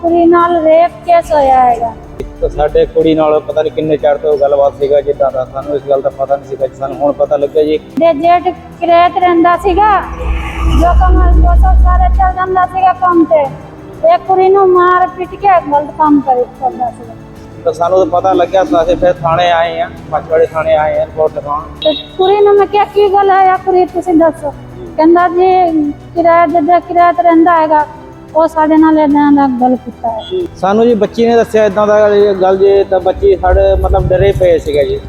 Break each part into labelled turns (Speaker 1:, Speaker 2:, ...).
Speaker 1: ਕੁੜੀ ਨਾਲ rape case ਹੋਇਆ ਹੈਗਾ।
Speaker 2: तो साडे कुड़ी नाल पता नहीं किन्ने चढ़ तो गलबात सीगा जिद्दां दा सानू इस गल दा पता नहीं सीगा सानू हुण पता लग्या जी।
Speaker 1: ਦੇ ਜੇਠ ਕਿਰੇਤ ਰਹਿੰਦਾ ਸੀਗਾ ਜੋ ਕਮਲ 200 ਸਾਰੇ ਚੱਲ ਜਾਂਦਾ ਸੀਗਾ ਕੰਮ ਤੇ ਇੱਕ ਕੁੜੀ ਨੂੰ ਮਾਰ ਪਿੱਟ ਕੇ ਗਲਤ ਕੰਮ ਕਰਦਾ ਸੀਗਾ।
Speaker 2: तो सानू तो पता लग्या तो असीं फिर थाणे आए हैं, पचवाड़े थाणे आए हैं रिपोर्ट लिखाउण।
Speaker 1: ਤੇ ਕੁੜੀ ਨੂੰ ਮੈਂ ਕਿਹਾ ਕੀ ਗੱਲ ਹੈ ਆ ਕੁੜੀ ਤੁਸੀਂ ਦੱਸੋ। ਕਹਿੰਦਾ ਜੀ ਕਿਰਾਏ ਜਿੱਦਾਂ ਕਿਰਾਏ ਤੇ ਰਹਿੰਦਾ ਹੈਗਾ ਉਹ ਸਾਡੇ ਨਾਲ ਇਦਾਂ ਦਾ ਗੱਲ ਕੀਤਾ ਹੈ।
Speaker 2: ਸਾਨੂੰ ਜੀ ਬੱਚੀ ਨੇ ਦੱਸਿਆ ਇਦਾਂ ਦਾ ਗੱਲ ਜੇ ਤਾਂ ਬੱਚੀ ਸਾਡੇ ਮਤਲਬ ਡਰੇ ਪਏ ਸੀਗਾ ਜੀ।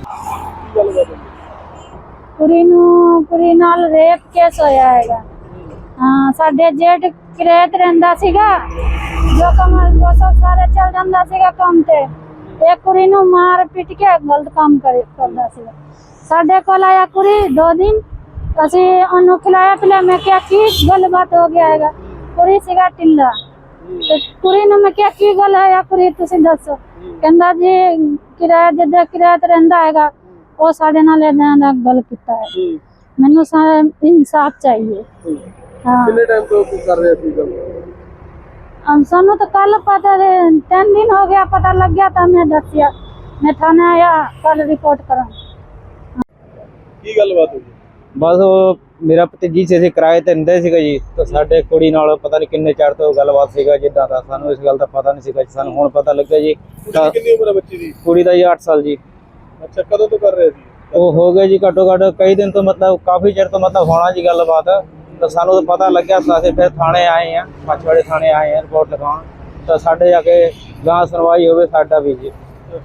Speaker 1: ਕੁੜੀ ਨਾਲ ਰੇਪ ਕੇਸ ਹੋਇਆ ਹੈਗਾ। ਹਾਂ ਸਾਡੇ ਜੇਠ ਕਿਰੇਤ ਰਹਿੰਦਾ ਸੀਗਾ ਜੋ ਕਮਲ 200 ਸਾਰੇ ਚੱਲ ਜਾਂਦਾ ਸੀਗਾ ਕੰਮ ਤੇ ਇੱਕ ਕੁੜੀ ਨੂੰ ਮਾਰ ਪਿੱਟ ਕੇ ਗਲਤ ਕੰਮ ਕਰਦਾ ਸੀਗਾ। ਸਾਡੇ ਕੋਲ ਆਇਆ ਕੁੜੀ 2 ਦਿਨ ਅਸੀਂ ਉਹਨੂੰ ਖਿਲਾਇਆ ਪਿਲਾਇਆ। ਮੈਂ ਕਿਹਾ ਕੀ ਗੱਲਬਾਤ ਹੋ ਗਿਆ ਹੈਗਾ। ਕੁੜੀ ਸੀਗਾ ਢਿੱਲਾ ਤੇ ਕੁੜੀ ਨੂੰ ਮੈਂ ਕਿਹਾ ਕੀ ਗੱਲ ਹੈ ਆ ਕੁੜੀ ਤੁਸੀਂ ਦੱਸੋ। ਕਹਿੰਦਾ ਜੀ ਕਿਰਾਇਆ ਜਿੱਦਾਂ ਕਿਰਾਏ ਤੇ ਰਹਿੰਦਾ ਹੈਗਾ ਉਹ ਸਾਡੇ ਨਾਲ ਇਦਾਂ ਦਾ ਗੱਲ ਕੀਤਾ ਹੈ। ਮੈਨੂੰ ਸਾਰਾ ਇਨਸਾਫ ਚਾਹੀਏ। ਹਾਂ
Speaker 3: ਕਿੰਨੇ ਟਾਈਮ ਤੋਂ ਕਰ ਰਹੇ ਸੀ ਗੱਲ?
Speaker 1: ਸਾਨੂੰ ਤਾਂ ਕੱਲ ਪਤਾ 3 दिन हो गया पता लग गया था। मैं दसिया मैं थाने आया कल रिपोर्ट करा।
Speaker 3: ਕੀ ਗੱਲਬਾਤ ਹੋਈ?
Speaker 2: ਬਸ ਉਹ ਮੇਰਾ ਭਤੀਜੀ ਸੀ, ਅਸੀਂ ਕਿਰਾਏ ਤੇ ਰਹਿੰਦੇ ਸੀਗਾ ਜੀ। ਤਾਂ ਸਾਡੇ ਕੁੜੀ ਨਾਲ ਪਤਾ ਨਹੀਂ ਕਿੰਨੇ ਚਿਰ ਤੋਂ ਗੱਲਬਾਤ ਸੀਗਾ ਜਿੱਦਾਂ ਦਾ ਸਾਨੂੰ ਇਸ ਗੱਲ ਦਾ ਪਤਾ ਨਹੀਂ ਸੀਗਾ। ਸਾਨੂੰ ਹੁਣ ਪਤਾ ਲੱਗਿਆ ਜੀ।
Speaker 3: ਕਿੰਨੀ ਉਮਰ ਹੈ ਬੱਚੀ ਦੀ?
Speaker 2: ਕੁੜੀ ਦਾ ਜੀ 8 ਸਾਲ ਜੀ।
Speaker 3: ਅੱਛਾ ਕਦੋਂ ਤੋਂ ਕਰ ਰਹੇ ਸੀ?
Speaker 2: ਉਹ ਹੋ ਗਏ ਜੀ ਘੱਟੋ ਘੱਟ ਕਈ ਦਿਨ ਤੋਂ, ਮਤਲਬ ਕਾਫੀ ਚਿਰ ਤੋਂ ਮਤਲਬ ਹੋਣਾ ਜੀ ਗੱਲਬਾਤ। ਤਾਂ ਸਾਨੂੰ ਤਾਂ ਪਤਾ ਲੱਗਿਆ ਤਾਂ ਅਸੀਂ ਫਿਰ ਥਾਣੇ ਆਏ ਹਾਂ, ਪਚਵਾੜੇ ਥਾਣੇ ਆਏ ਹਾਂ ਰਿਪੋਰਟ ਲਿਖਾਉਣ। ਤਾਂ ਸਾਡੇ ਜਾ ਕੇ ਗਾਂ ਸੁਣਵਾਈ ਹੋਵੇ ਸਾਡਾ ਵੀ ਜੀ।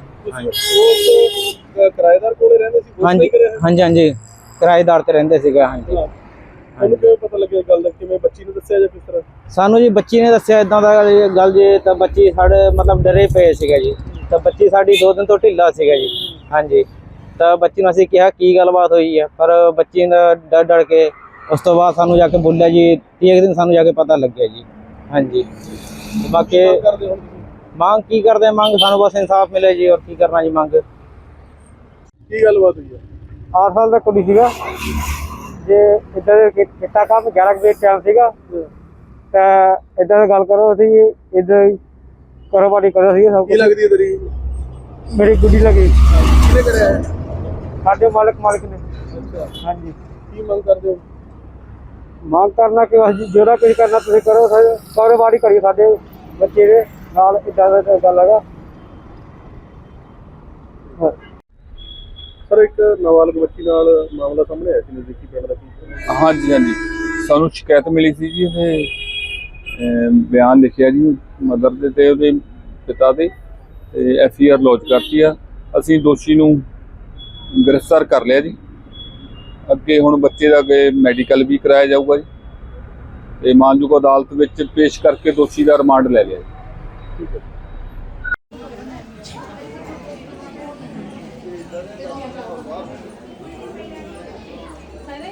Speaker 3: ਉਹ ਕਿਰਾਏਦਾਰ ਕੋਲੇ ਰਹਿੰਦੇ ਸੀ?
Speaker 2: ਹਾਂਜੀ ਹਾਂਜੀ ਹਾਂਜੀ ਕਿਰਾਏਦਾਰ ਤੇ ਰਹਿੰਦੇ ਸੀਗੇ। ਹਾਂਜੀ
Speaker 3: ਉਹਨੂੰ ਕਿਵੇਂ ਪਤਾ ਲੱਗਿਆ ਗੱਲ ਦਾ? ਕਿਵੇਂ ਬੱਚੀ ਨੂੰ ਦੱਸਿਆ ਜਾਂ ਕਿਸ ਤਰ੍ਹਾਂ?
Speaker 2: ਸਾਨੂੰ ਜੀ ਬੱਚੀ ਨੇ ਦੱਸਿਆ ਇਦਾਂ ਦਾ ਗੱਲ ਜੇ ਤਾਂ ਬੱਚੀ ਸਾਡੇ ਮਤਲਬ ਡਰੇ ਪਏ ਸੀਗਾ ਜੀ। ਤਾਂ ਬੱਚੀ ਸਾਡੀ 2 ਦਿਨ ਤੋਂ ਢਿੱਲਾ ਸੀਗਾ ਜੀ। ਹਾਂਜੀ ਤਾਂ ਬੱਚੀ ਨੂੰ ਅਸੀਂ ਕਿਹਾ ਕੀ ਗੱਲਬਾਤ ਹੋਈ ਹੈ ਪਰ ਬੱਚੀ ਨੇ ਡਰ ਕੇ ਉਸ ਤੋਂ ਬਾਅਦ ਸਾਨੂੰ ਜਾ ਕੇ ਬੋਲਿਆ ਜੀ 30 ਦਿਨ ਸਾਨੂੰ ਜਾ ਕੇ ਪਤਾ ਲੱਗਿਆ ਜੀ। ਹਾਂਜੀ ਬਾਕੀ ਮੰਗ ਕੀ ਕਰਦੇ ਮੰਗ ਸਾਨੂੰ ਬਸ ਇਨਸਾਫ ਮਿਲੇ ਜੀ। ਔਰ ਕੀ ਕਰਨਾ ਜੀ ਮੰਗ।
Speaker 3: ਕੀ ਗੱਲਬਾਤ ਹੋਈ ਹੈ?
Speaker 2: 8 ਸਾਲ ਦਾ ਕੁੜੀ ਸੀਗਾ ਜੇ ਇੱਦਾਂ ਦੇ ਕੀਤਾ ਕੰਮ 11 ਵਜੇ ਟਾਈਮ ਸੀਗਾ ਤਾਂ ਇੱਦਾਂ ਦੀ ਗੱਲ ਕਰੋ ਅਸੀਂ ਇੱਦਾਂ ਹੀ ਕਾਰੋਬਾਰੀ ਕਰੋ ਸੀ ਸਭ
Speaker 3: ਕੀ ਲੱਗਦੀ ਹੈ ਤੇਰੀ?
Speaker 2: ਮੇਰੀ ਗੁੱਡੀ ਲੱਗੀ
Speaker 3: ਕਿਹਨੇ ਕਰਿਆ?
Speaker 2: ਸਾਡੇ ਮਾਲਕ ਨੇ।
Speaker 3: ਅੱਛਾ
Speaker 2: ਹਾਂਜੀ
Speaker 3: ਕੀ ਮੰਗ ਕਰਦੇ ਹੋ?
Speaker 2: ਮੰਗ ਕਰਨਾ ਕਿ ਅਸੀਂ ਜਿਹੜਾ ਕੁਝ ਕਰਨਾ ਤੁਸੀਂ ਕਰੋ, ਕਾਰੋਬਾਰੀ ਕਰੀਏ ਸਾਡੇ ਬੱਚੇ ਦੇ ਨਾਲ। ਇੱਦਾਂ ਦਾ ਗੱਲ ਹੈਗਾ।
Speaker 3: ਸਰ ਇੱਕ ਨਾਬਾਲਗ ਬੱਚੀ ਨਾਲ ਮਾਮਲਾ ਸਾਹਮਣੇ ਆਇਆ ਸੀ ਨਜ਼ਦੀਕੀ ਪਿੰਡ ਦਾ। ਕੀ
Speaker 4: ਹਾਂਜੀ ਹਾਂਜੀ ਸਾਨੂੰ ਸ਼ਿਕਾਇਤ ਮਿਲੀ ਸੀ ਜੀ। ਉਹਨੇ ਬਿਆਨ ਲਿਖਿਆ ਜੀ ਮਦਰ ਦੇ ਤੇ ਉਹਦੇ ਪਿਤਾ ਦੇ ਤੇ FIR ਲੌਂਚ ਕਰਤੀ ਆ। ਅਸੀਂ ਦੋਸ਼ੀ ਨੂੰ ਗ੍ਰਿਫਤਾਰ ਕਰ ਲਿਆ ਜੀ। ਅੱਗੇ ਹੁਣ ਬੱਚੇ ਦਾ ਅੱਗੇ ਮੈਡੀਕਲ ਵੀ ਕਰਾਇਆ ਜਾਊਗਾ ਜੀ ਤੇ ਮਾਨਯੋਗ ਅਦਾਲਤ ਵਿੱਚ ਪੇਸ਼ ਕਰਕੇ ਦੋਸ਼ੀ ਦਾ ਰਿਮਾਂਡ ਲੈ ਲਿਆ ਜੀ।
Speaker 3: ਠੀਕ ਹੈ।